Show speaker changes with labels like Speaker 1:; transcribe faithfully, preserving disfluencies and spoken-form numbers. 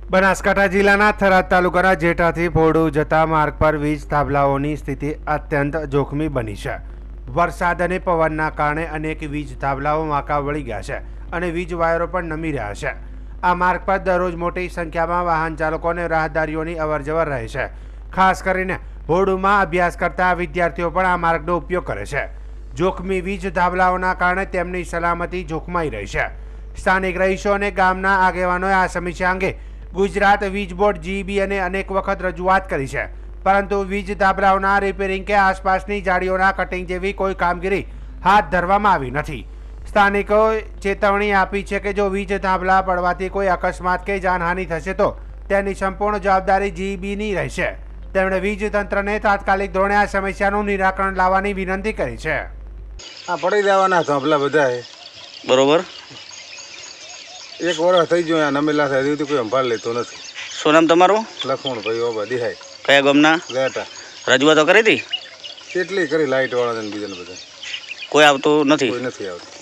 Speaker 1: બનાસકાંઠા જિલ્લાના થરાદ તાલુકાના જેઠાથી ભોરડુ જતા માર્ગ પર વીજ થાંભલાઓની સ્થિતિ અત્યંત જોખમી બની છે। વરસાદ અને પવનના કારણે અનેક વીજ થાંભલાઓ વાંકા વળી ગયા છે અને વીજ વાયરો પણ નમી રહ્યા છે। આ માર્ગ પર દરરોજ મોટી સંખ્યામાં વાહન ચાલકો અને રાહદારીઓની અવરજવર રહે છે। ખાસ કરીને ભોરડુમાં અભ્યાસ કરતા વિદ્યાર્થીઓ પણ આ માર્ગનો ઉપયોગ કરે છે। જોખમી વીજ થાંભલાઓના કારણે તેમની સલામતી જોખમાઈ રહી છે। સ્થાનિક રહીશો અને ગામના આગેવાનોએ આ સમસ્યા અંગે ગુજરાત વીજ બોર્ડ જીબી અને અનેક વખત રજૂઆત કરી છે, પરંતુ વીજ થાંભલાઓના રિપેરિંગ કે આસપાસની જાળીઓના કટિંગ જેવી કોઈ કામગીરી હાથ ધરવામાં આવી નથી। સ્થાનિકોએ ચેતવણી આપી છે કે જો વીજ થાંભલા પડવાથી કોઈ અકસ્માત કે જાનહાનિ થશે તો તેની સંપૂર્ણ જવાબદારી જીબીની રહેશે। તેમણે વીજ તંત્રને તાત્કાલિક ધોરણે આ સમસ્યાનું નિરાકરણ લાવવાની વિનંતી કરી છે।
Speaker 2: આ પડી રહેવાના થાંભલા બધા
Speaker 3: બરોબર
Speaker 2: એક વર્ષ થઈ ગયો આ નમેલા થાય તો કોઈ સંભાળ લેતો નથી।
Speaker 3: શું નામ તમારું?
Speaker 2: લખમણ ભાઈ ઓબા દિહાય
Speaker 3: કયા ગામના?
Speaker 2: ગેટા
Speaker 3: રજૂઆતો કરી હતી?
Speaker 2: કેટલી કરી લાઇટ વાળા ને બીજા બધા
Speaker 3: કોઈ આવતું નથી?
Speaker 2: કોઈ નથી આવતું।